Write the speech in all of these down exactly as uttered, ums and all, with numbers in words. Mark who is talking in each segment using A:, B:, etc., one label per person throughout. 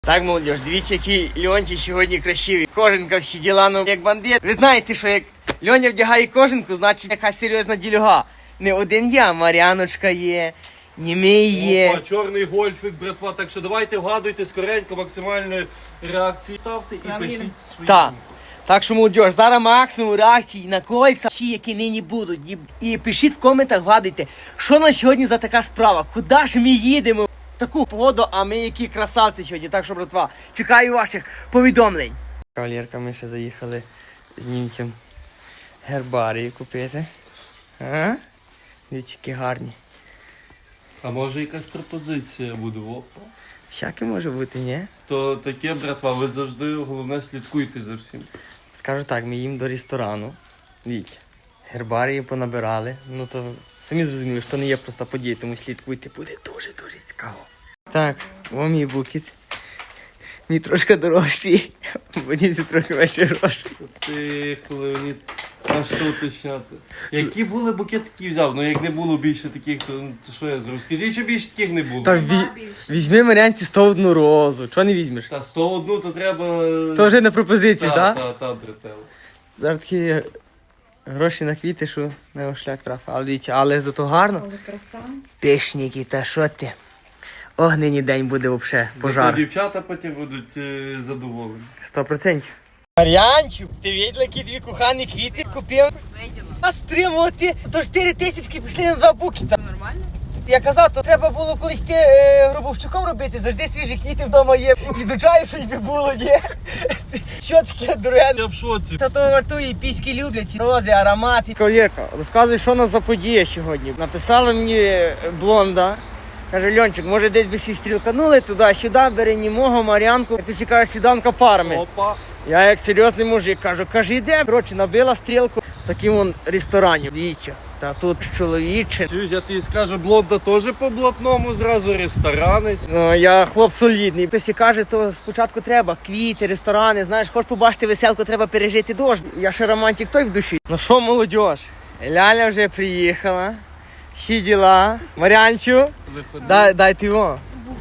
A: Так, молодіж, дивіться, який Льончик сьогодні красивий. Кожанка, всі діла, ну як бандит. Ви знаєте, що як Льоня вдягає кожанку, значить якась серйозна ділюга. Не один я, Мар'яночка є, Німей є.
B: Опа, чорний гольфик, братва. Так що давайте вгадуйте скоренько, максимальної реакції ставте і пишіть свої.
A: Так. Так що, молодіж, зараз максимум реакцій на кольця, всі, які нині будуть. І, і пишіть в коментах, вгадуйте, що на сьогодні за така справа, куди ж ми їдемо в таку погоду, а ми які красавці сьогодні. Так що, братва, чекаю ваших повідомлень. Кавалерка, ми ще заїхали з німцем гербарії купити. А? Дивіться, які гарні.
B: А може якась пропозиція буде, опа?
A: Всяке може бути, ні?
B: То таке, братва, ви завжди, головне, слідкуйте за всім.
A: Скажу так, ми їм до ресторану. Дивіться, гербарії понабирали. Ну то самі зрозуміли, що не є просто подія, тому слідкуйте, буде дуже-дуже цікаво. Так, о мій букет. Мій трошки дорожчий, мені всі трохи менше грошей.
B: Ти, коли а що уточняти? Які були букетики взяв? Ну як не було більше таких, то, ну, то що я зроблю? Скажіть, що більше таких не було.
A: Так, ві... візьми Мар'янці сто одну розу. Чого не візьмеш?
B: Та сто одну то треба...
A: То вже на пропозиції,
B: та,
A: так?
B: Та, та, братела.
A: Зараз такі гроші на квіти, що на його шлях трафа. Але дивіться, але зато гарно.
C: Але краса.
A: Пишніки, та що ти? Огненний день буде взагалі,
B: Зато
A: пожар.
B: дівчата потім будуть е, задоволені.
A: Сто процентів. Мар'янчик, ти виділа, які дві кохані квіти купив?
C: Виділа.
A: А стримувати, то чотири тисячки пішли на два букета.
C: Нормально?
A: Я казав, то треба було колись ти е, Гробовщиком робити, завжди свіжі квіти вдома є. І до чаю щось би було, ні? Що таке дороге?
B: Я в шоці.
A: Та то вартує, піськи люблять, рози, аромати. Кавалерка, розказуй, що у нас за подія сьогодні. Написала мені блонда. Каже, Льончик, може десь би всі стрілканули туди-сюди, бери німого, Мар'янку. Як ти ще кажеш, сіданка парами.
B: Опа.
A: Я як серйозний мужик кажу, каже, йде. Коротше, набила стрілку в такому вон ресторані. Дивіться, та тут чоловіче.
B: Чуєш, я тобі скажу, блонда теж по блатному, зразу ресторанець.
A: Ну, я хлоп солідний. Хтось і каже, то спочатку треба квіти, ресторани, знаєш, хочеш побачити веселку, треба пережити дощ. Я ще романтик той в душі. Ну що, молодь, Ляля вже приїхала. Всі діла. Мар'янчу, дай, дай ти його.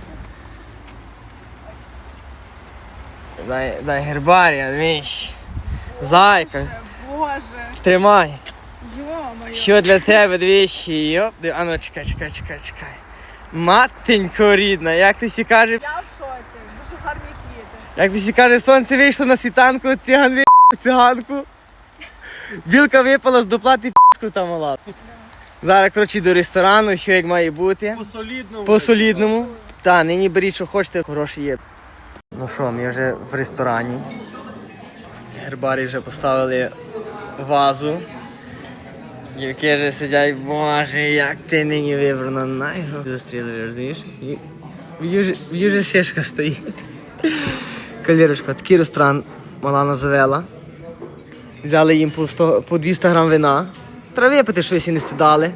A: Дай, дай гербарія, віщ. Зайка,
C: Боже.
A: тримай.
C: Йо-моє.
A: Що для тебе, двічі, йоп. А ну, чекай, чекай, чекай, чекай. Матенько рідна, як ти сі каже,
C: Я в шоці. Дуже гарні квіти.
A: як ти сі каже, сонце вийшло на світанку, циган вийшов циганку. Білка випала з доплати, п***ку там мала. Зараз, коротше, до ресторану, що як має бути.
B: По солідному.
A: По солідному. Та, нині беріть, що хочете, гроші є. Ну що, ми вже в ресторані. Гербарі вже поставили вазу. Дівки вже сидять, боже, як ти нині вибрана. На його застрілили, розумієш? В юже шишка стоїть. Калірочка, такий ресторан Малана завела. Взяли їм по, сто, по двісті грам вина. Треба випити щось і не стидали.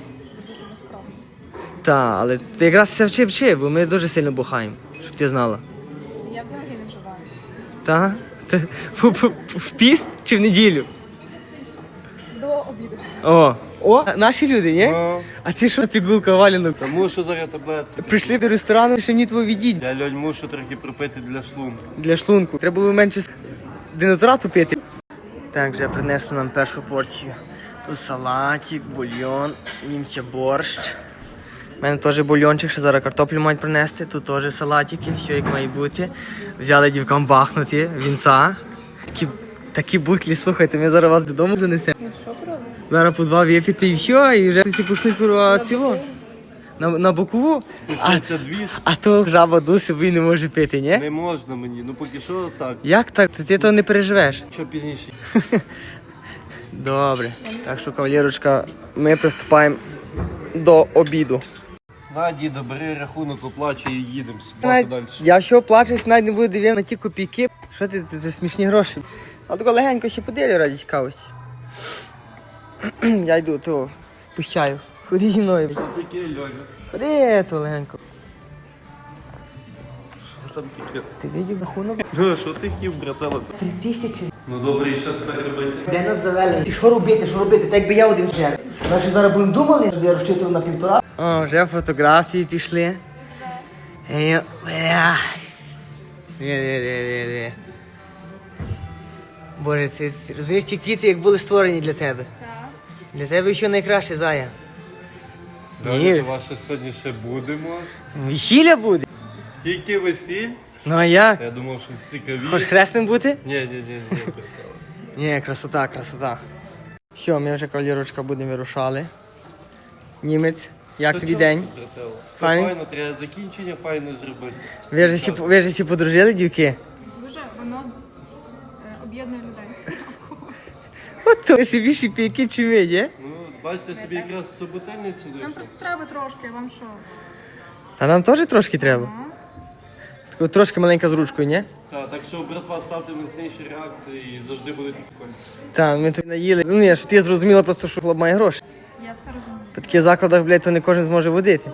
A: Так, але ти якраз це вчи вчи, бо ми дуже сильно бухаємо, щоб ти знала.
C: Я взагалі не вживаю.
A: Так? Це в, в, в піст чи в неділю?
C: До обіду.
A: О, о, наші люди, ні?
B: Ну,
A: А це що пігулка валянок?
B: тому що зараз таблетки.
A: Прийшли до ресторану, що мені твого відіть.
B: Я, Льонь, мушу трохи пропити для шлунку.
A: Для шлунку. Треба було менше денатурату пити. Так, вже принесли нам першу порцію. Тут салатик, бульйон, німця борщ. У мене теж бульйончик, ще зараз картоплю мають принести. Тут теж салатики, все як має бути. Взяли дівкам бахнути, вінця. Такі, такі бутлі, слухайте, ми зараз вас додому занесемо.
C: Ну що пробуєш?
A: Зараз по два випити і все, і вже всі почнуть курва цього. На, на бокову. А,
B: Почнеться дві.
A: а то жаба ду собі не може пити, ні?
B: Не можна мені, ну поки що так.
A: Як так? То ти того не переживеш.
B: Що пізніше?
A: Добре. Так що, кавалерочка, ми приступаємо до обіду.
B: На, діда, бери рахунок, оплачуй і їдемо собі
A: Навіть,
B: далі.
A: я що плачусь, навіть не буду дивитися на ті копійки. Що ти, це, це смішні гроші. А тако легенько ще поділю раді цікавості. Я йду, то впущаю. Ходи зі мною.
B: Що таке, Льоня?
A: Ходи, то легенько.
B: Що там таке?
A: Ти видів рахунок?
B: Ну, що ти хотів, братела?
A: Три тисячі.
B: Ну добре, і що тепер робити?
A: Де нас завели? Ти що робити, що робити? Так би я один вже. Наші зараз будемо думали, що я розчитував на півтора. О, вже фотографії пішли. Ей, бля. Ні, ні, ні, ні, ні. Боже, ти, ти розумієш, ті квіти, як були створені для тебе.
C: Так.
A: Для тебе що найкраще, Зая.
B: Далі
A: Ні.
B: то ваше сьогодні ще буде, може?
A: Весілля буде.
B: Тільки весіль?
A: Ну а як?
B: Я думав, що
A: Хоч
B: цікавіше.
A: хресним бути?
B: Ні, ні, ні, ні.
A: Ні, красота, красота. Все, ми вже, кавалерочка, будемо вирушали. Німець, як тобі день?
B: Все
A: Файний?
B: файно, треба закінчення файно зробити.
A: Ви ж всі, ви ж всі подружили, дівки?
C: Дуже воно е, об'єднує людей.
A: От то ще більше піки, чи ми, ні?
B: Ну, бачите, собі якраз суботельницю
C: Нам
B: дійшов.
C: просто треба трошки, вам що?
A: А нам теж трошки треба.
C: Ну,
A: Таку трошки маленька з ручкою, ні?
B: Так, так що, братва, ставте міцніші реакції і завжди будуть кольця.
A: Так, ми тут наїли. Ну ні, що ти зрозуміла просто, що хлоп має гроші.
C: я все розумію.
A: По таких закладах, блядь, то не кожен зможе водити.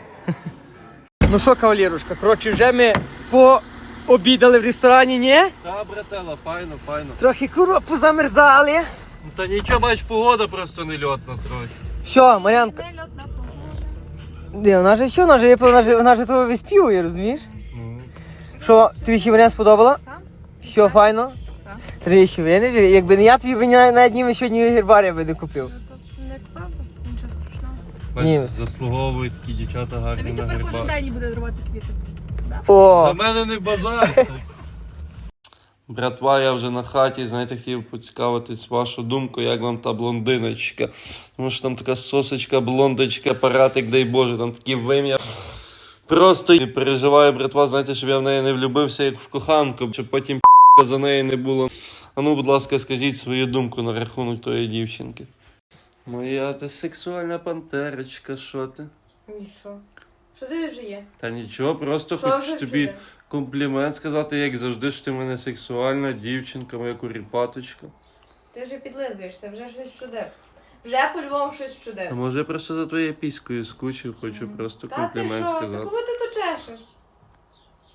A: Ну що, кавалерушка, коротше, вже ми пообідали в ресторані, ні?
B: Та, братела, файно, файно.
A: Трохи куро позамерзали.
B: Ну, та нічого, бач, погода просто не льотна трохи.
A: Все, Мар'янка.
C: Не льотна погода.
A: Де, вона же що, вона же, вона же, вона же того виспівує, розумієш?
B: Ну,
A: Що, тобі ще варіант сподобала?
C: Так.
A: Що, файно?
C: Так.
A: Ти ще виниш? Якби не я, тобі б ні- навіть ніби сьогодні гербарія би не купив.
C: Ну, то не правда, нічого страшного.
A: Ні.
B: бач, заслуговують такі дівчата
C: Та
B: гарні
C: він
B: на
C: тепер кожен
B: грибах.
C: день буде рвати квіти.
A: О,
B: За мене не базар. Братва, я вже на хаті, знаєте, хотів поцікавитись вашу думку, як вам та блондиночка. Тому що там така сосочка, блондочка, апаратик, дай Боже, там такі вим'я. Просто не переживаю, братва, знаєте, щоб я в неї не влюбився, як в коханку, щоб потім п***ка за неї не було. А ну, будь ласка, скажіть свою думку на рахунок тої дівчинки. Моя ти сексуальна пантерочка, що ти?
D: І що? Що ти вже є?
B: Та нічого, просто
D: Що
B: хочу
D: вже
B: тобі
D: чуде?
B: комплімент сказати, як завжди, що ти в мене сексуальна дівчинка, моя куріпаточка.
D: Ти вже підлизуєшся, вже щось чудив. Вже по-любому щось
B: А
D: чудив.
B: може я просто за твоєю піською скучив, хочу просто
D: Та ти
B: комплімент
D: що?
B: сказати.
D: Та кого ти то чешеш?